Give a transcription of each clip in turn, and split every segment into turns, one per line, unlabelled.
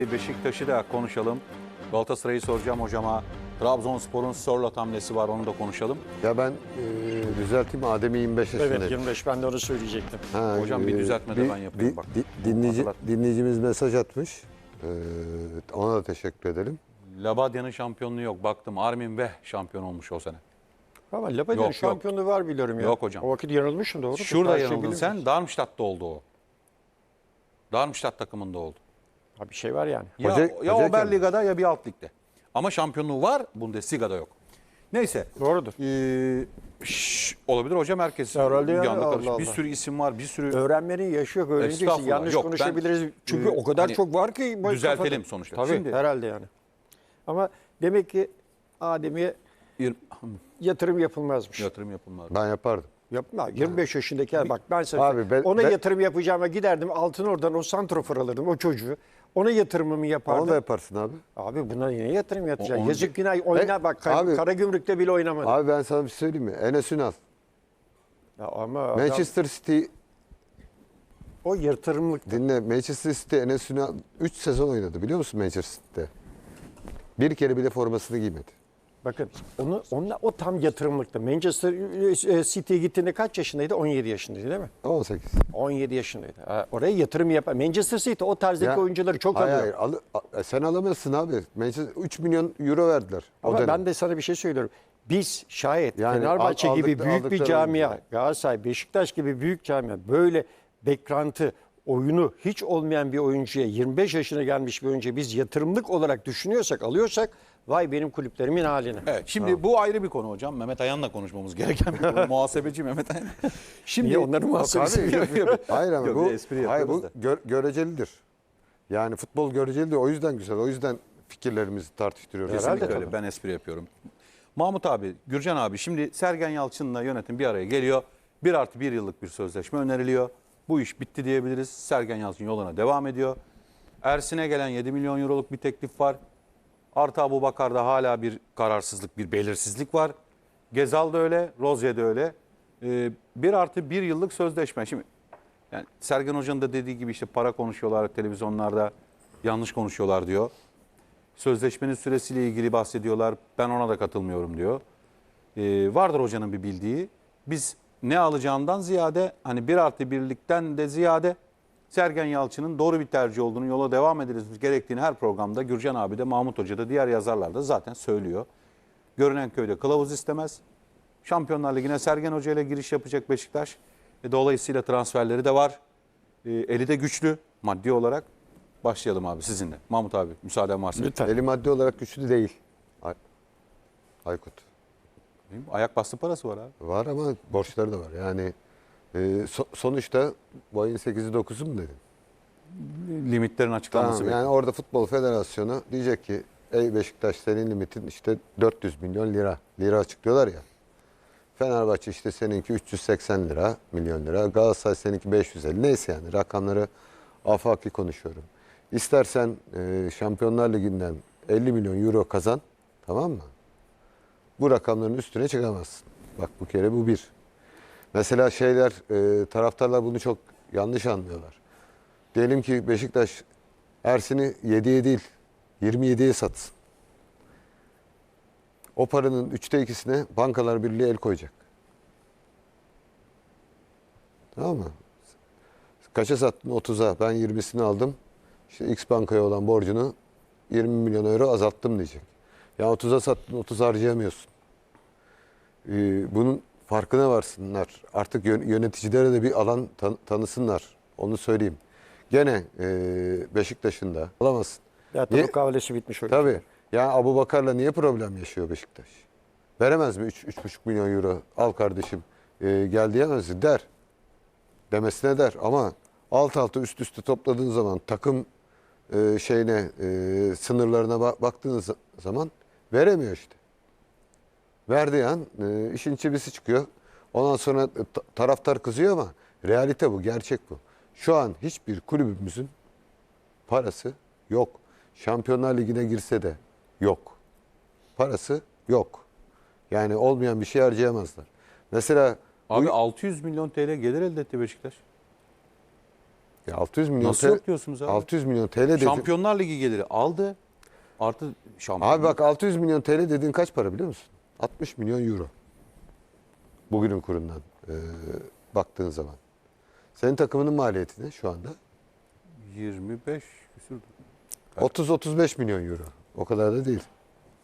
Beşiktaş'ı da konuşalım. Galatasaray'ı soracağım hocama. Trabzonspor'un Sörloth hamlesi var, onu da konuşalım.
Ya ben düzelteyim, Adem'i 25 yaşındayım.
Evet 25, ben de onu söyleyecektim.
Hocam bir düzeltme de ben yapayım bak.
Dinleyicimiz mesaj atmış. Ona da teşekkür edelim.
Labadya'nın şampiyonluğu yok. Baktım Armin Veh şampiyon olmuş o sene.
Ama Labadya'nın şampiyonluğu var biliyorum ya.
Yok hocam.
O vakit yanılmışsın, doğru.
Şurada yanıldın sen. Darmstadt'ta oldu o. Darmstadt takımında oldu.
Ha, bir şey var yani.
Ya Oberliga'da ya bir alt ligde. Ama şampiyonluğu var, Bundesliga'da yok. Neyse.
Doğrudur.
Olabilir hocam, herkes
Herhalde yani,
yanında karışık.
Allah
Bir
Allah.
sürü isim var, bir sürü...
Öğrenmenin yaşı yok, öğreneceksin.
Estağfurullah.
Yanlış
Yok,
konuşabiliriz. Çünkü o kadar
hani
çok var ki.
düzeltelim sonuçta.
Tabii
Şimdi,
herhalde yani. Ama demek ki Adem'e yatırım yapılmazmış.
yatırım yapılmaz.
Ben yapardım.
Yapma. 25 yaşındaki bak ben sana
Abi
ona yatırım yapacağıma giderdim altın oradan o santrofor alırdım o çocuğu. Ona yatırımımı yapardım.
Onu da yaparsın abi.
Abi buna yine yatırım yapacaksın.
Onu-
Yazık günah oyna bak
Abi-
Karagümrük'te bile oynamadı.
Abi ben sana bir şey söyleyeyim mi? Enes Ünal.
Ya ama adam,
Manchester City,
o yatırımlık.
dinle. Manchester City Enes Ünal 3 sezon oynadı, biliyor musun Manchester City'de? Bir kere bile formasını giymedi.
Bakın o tam yatırımlıktı. Manchester City'ye gittiğinde kaç yaşındaydı? 17 yaşındaydı değil mi?
18.
17 yaşındaydı. Ha, oraya yatırım yapar. Manchester City o tarzdaki oyuncuları çok alıyor.
Hayır, sen alamazsın abi. Manchester 3 milyon euro verdiler.
Ama
o dönem.
ben de sana bir şey söylüyorum. Biz şayet
Yani
Fenerbahçe gibi büyük bir
aldıkları
camia,
oyuncular.
Galatasaray, Beşiktaş gibi büyük camia böyle beklenti, oyunu hiç olmayan bir oyuncuya 25 yaşına gelmiş bir oyuncuya biz yatırımlık olarak düşünüyorsak, alıyorsak vay benim kulüplerimin haline.
Evet, şimdi bu ayrı bir konu hocam. Mehmet Ayan'la konuşmamız gereken bir konu. Muhasebeci Mehmet Ayan. Şimdi
Niye onların muhasebesi mi yapıyor?
Hayır ama
Yok,
bu,
bir espri
hayır,
yapıyoruz
bu görecelidir. Yani futbol görecelidir. O yüzden güzel. O yüzden fikirlerimizi tartıştırıyoruz.
Herhalde
kesinlikle öyle.
tabii.
Ben espri yapıyorum. Mahmut abi, Gürcan abi, şimdi Sergen Yalçın'la yönetim bir araya geliyor. 1+1 yıllık bir sözleşme öneriliyor. Bu iş bitti diyebiliriz. Sergen Yalçın yoluna devam ediyor. Ersin'e gelen 7 milyon euroluk bir teklif var. Artı Abubakar'da hala bir kararsızlık, bir belirsizlik var. Gezal da öyle, Rozier de öyle. 1+1 yıllık sözleşme. Şimdi yani Sergen Hoca'nın da dediği gibi işte para konuşuyorlar televizyonlarda, yanlış konuşuyorlar diyor. Sözleşmenin süresiyle ilgili bahsediyorlar. Ben ona da katılmıyorum diyor. Vardır hocanın bir bildiği. Biz ne alacağından ziyade, hani 1+1'likten de ziyade Sergen Yalçın'ın doğru bir tercih olduğunu, yola devam edilmesi gerektiğini her programda Gürcan abi de, Mahmut Hoca da, diğer yazarlar da zaten söylüyor. Görünen köyde kılavuz istemez. Şampiyonlar Ligi'ne Sergen Hoca ile giriş yapacak Beşiktaş. Dolayısıyla transferleri de var. Eli de güçlü maddi olarak. Başlayalım abi sizinle. Mahmut abi, müsaaden varsa.
Lütfen.
Eli maddi olarak güçlü değil. Aykut.
Ayak bastı parası var abi.
Var ama borçları da var. Yani sonuçta bu ayın 8'i 9'u mu dedin?
Limitlerin açıklanması
Tamam, yani orada Futbol Federasyonu diyecek ki ey Beşiktaş, senin limitin işte 400 milyon lira. Lira açıklıyorlar ya. Fenerbahçe işte seninki 380 milyon lira. Galatasaray seninki 550. Neyse, yani rakamları afaki konuşuyorum. İstersen Şampiyonlar Ligi'nden 50 milyon euro kazan, tamam mı? Bu rakamların üstüne çıkamazsın. Bak, bu kere bu bir. Mesela taraftarlar bunu çok yanlış anlıyorlar. Diyelim ki Beşiktaş Ersin'i 7'ye değil 27'ye satsın. O paranın 2'sine Bankalar Birliği el koyacak. Tamam mı? Kaça sattın? 30'a. Ben 20'sini aldım. İşte X bankaya olan borcunu 20 milyon euro azalttım diyecek. Ya 30'a sattın, 30 harcayamıyorsun. Bunun farkına varsınlar. Artık yöneticilere de bir alan tanısınlar. Onu söyleyeyim. Gene Beşiktaş'ın da alamazsın.
Zaten
Niye?
mukavelesi bitmiş öyle.
Tabii. Yani Abubakar'la niye problem yaşıyor Beşiktaş? Veremez mi 3,5 milyon euro? Al kardeşim gel diyemez mi? Der. Demesine der. Ama alt alta üst üste topladığın zaman takım sınırlarına baktığınız zaman veremiyor işte. Verdiği an işin çivisi çıkıyor. Ondan sonra taraftar kızıyor ama realite bu, gerçek bu. Şu an hiçbir kulübümüzün parası yok. Şampiyonlar Ligi'ne girse de yok. Parası yok. Yani olmayan bir şey harcayamazlar. Mesela
Abi 600 milyon TL gelir elde etti Beşiktaş.
Ya 600 milyon
Nasıl yok diyorsunuz abi?
600 milyon TL dedin.
Şampiyonlar Ligi geliri aldı. Artı şampiyon.
Abi bak 600 milyon TL dediğin kaç para biliyor musun? 60 milyon euro. Bugünün kurundan baktığın zaman. Senin takımının maliyeti ne şu anda?
25 küsürdü.
30-35 milyon euro. O kadar da değil.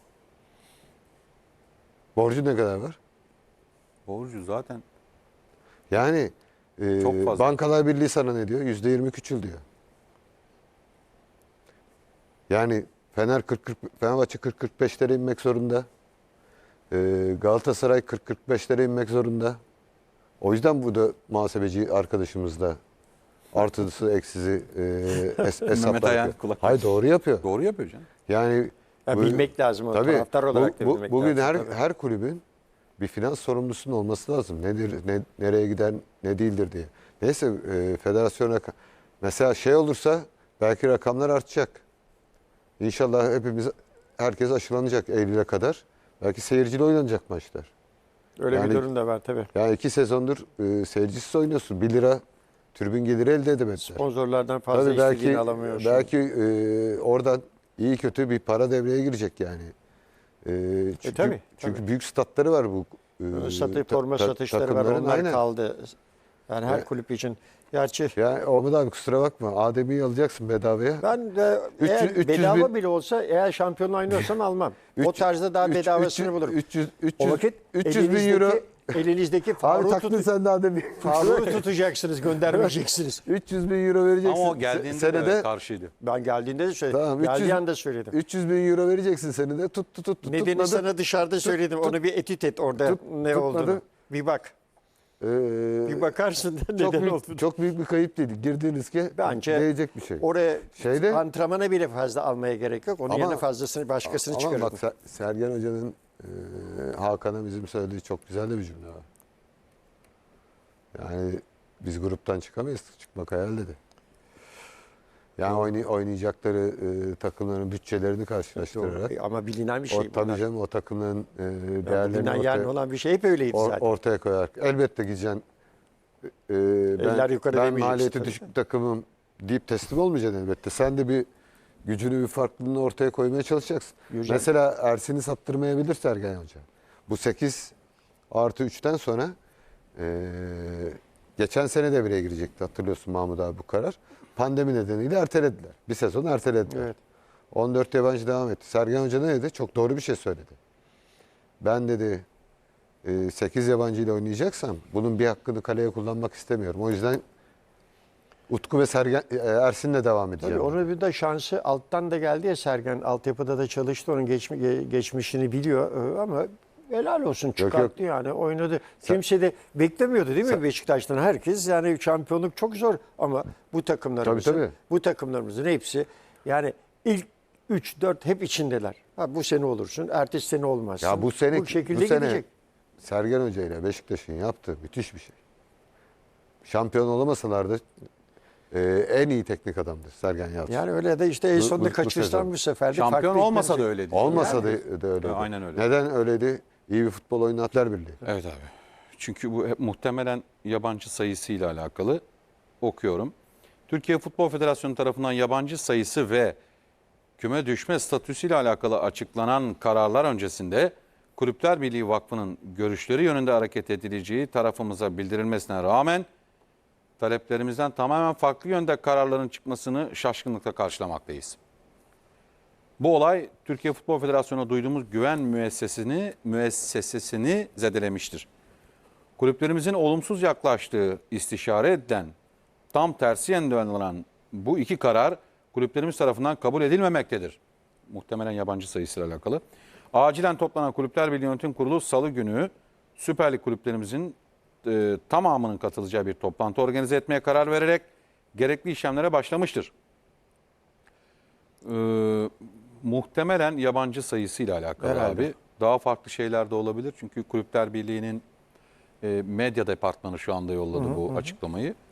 Borcu ne kadar var?
Borcu zaten
Yani
Çok fazla.
Bankalar Birliği sana ne diyor? %20 küçül diyor. Yani Fenerbahçe 40-45'lere inmek zorunda. Galatasaray 40-45'lere inmek zorunda. O yüzden bu da muhasebeci arkadaşımız da artısı eksisi hesaplar
Ayan
yapıyor.
kulak-
Hayır doğru yapıyor.
doğru yapıyor canım.
Yani
Ya
bu-
bilmek lazım. O
tabii,
taraftar olarak da bilmek
bugün
lazım. Tabii.
her kulübün bir finans sorumlusunun olması lazım. Nedir, nereye gider, ne değildir diye. Neyse federasyon mesela şey olursa belki rakamlar artacak. İnşallah herkes aşılanacak Eylül'e kadar. Belki seyircili oynanacak maçlar.
Öyle
yani-
bir durum da var tabii.
Yani 2 sezondur seyircisiz oynuyorsun. 1 lira tribün geliri elde edemediler.
Sponsorlardan fazla
Tabii
istediğini alamıyor. şimdi.
belki oradan iyi kötü bir para devreye girecek yani. Çünkü,
tabii,
çünkü
tabii.
büyük statları var bu.
Forma satışları var.
takımların,
Onlar
aynen.
kaldı. Yani her
Ya-
kulüp için. Gerçi
Ya Ahmet abi kusura bakma. Adem'i alacaksın bedavaya.
ben de
300
eğer
300
bedava
bin-
bile olsa eğer şampiyonla oynuyorsam almam. O
300
tarzda daha bedavasını
300
bulurum.
300
O vakit
300 bin euro.
elinizdeki
Abi
Faruk'u
taktın sen de Adem'i.
tutacaksınız, göndermeyeceksiniz.
300 bin euro vereceksin.
Ama o geldiğinde
senede.
de karşıydı.
Ben geldiğinde de söyledim.
Tamam,
Geldiği
300
anda söyledim.
300 bin euro vereceksin senede. Tut.
Nedeni
tutmadı.
sana dışarıda söyledim. Onu bir etüt et orada ne
tutmadı.
olduğunu. Bir bak.
Ee,
Bir bakarsın da
çok
neden
büyük,
olduğunu.
çok büyük bir kayıp değil. Girdiğiniz ki
Bence
değecek bir şey.
Oraya
Şeyde-
antrenmana bile fazla almaya gerek yok. Onun
Ama-
yerine fazlasını başkasını
Ama
çıkarırım.
bak Sergen Hoca'nın Hakan'a bizim söylediği çok güzel de bir cümle var. Yani biz gruptan çıkamayız. Çıkmak hayal dedi. Yani oynayacakları takımların bütçelerini karşılaştırarak.
Ama bilinen bir şey.
O, tabii
bunlar.
canım o takımların
Yani
değerlerini
bilinen yarın olan bir şey hep öyleydi zaten.
ortaya koyarak. Elbette gideceksin.
Eller yukarı
ben
demeyeceksin
maliyeti
tabii.
düşük bir takımım deyip teslim olmayacaksın elbette. Sen de bir gücünü, bir farklılığını ortaya koymaya çalışacaksın.
Yürüyeceksin.
Mesela Ersin'i sattırmayabilir Sergen Hoca. Bu 8+3'ten sonra geçen sene devreye girecekti hatırlıyorsun Mahmut abi bu karar. Pandemi nedeniyle ertelediler. Bir sezon ertelediler.
Evet.
14 yabancı devam etti. Sergen Hoca ne dedi? Çok doğru bir şey söyledi. Ben dedi 8 yabancı ile oynayacaksam bunun bir hakkını kaleye kullanmak istemiyorum. O yüzden Utku ve Ersin'le devam edeceğim.
Tabii onun bir de şansı alttan da geldi ya Sergen. Altyapıda da çalıştı. Onun geçmişini biliyor. Ama helal olsun çıkarttı yani oynadı. Kimse de beklemiyordu değil mi Beşiktaş'tan? Herkes yani şampiyonluk çok zor ama bu takımlarımızın
Tabii.
bu takımlarımızın hepsi yani ilk 3-4 hep içindeler. Ha, bu sene olursun, ertesi sene olmazsın.
Ya bu sene
şekilde
bu sene
gidecek.
Sergen Hoca ile Beşiktaş'ın yaptığı müthiş bir şey. Şampiyon olamasalar da en iyi teknik adamdır Sergen Yalçın.
Yani öyle de işte en sonunda
bu
kaçırsan
sezon.
bu sefer de
Şampiyon
farklı
olmasa da
hikmet-
öyleydi.
Olmasa da öyleydi.
Aynen öyle.
Neden öyleydi? İyi bir futbol oynatlar birliği.
Evet abi. Çünkü bu hep muhtemelen yabancı sayısıyla alakalı okuyorum. Türkiye Futbol Federasyonu tarafından yabancı sayısı ve küme düşme statüsüyle alakalı açıklanan kararlar öncesinde Kulüpler Birliği Vakfı'nın görüşleri yönünde hareket edileceği tarafımıza bildirilmesine rağmen taleplerimizden tamamen farklı yönde kararların çıkmasını şaşkınlıkla karşılamaktayız. Bu olay Türkiye Futbol Federasyonu'na duyduğumuz güven müessesesini zedelemiştir. Kulüplerimizin olumsuz yaklaştığı istişare edilen, tam tersi yönde alınan bu iki karar kulüplerimiz tarafından kabul edilmemektedir. Muhtemelen yabancı sayısıyla alakalı. Acilen toplanan Kulüpler Birliği Yönetim Kurulu Salı günü Süper Lig kulüplerimizin tamamının katılacağı bir toplantı organize etmeye karar vererek gerekli işlemlere başlamıştır. Muhtemelen yabancı sayısıyla alakalı
Herhalde.
abi. Daha farklı şeyler de olabilir. Çünkü Kulüpler Birliği'nin medya departmanı şu anda yolladı bu açıklamayı.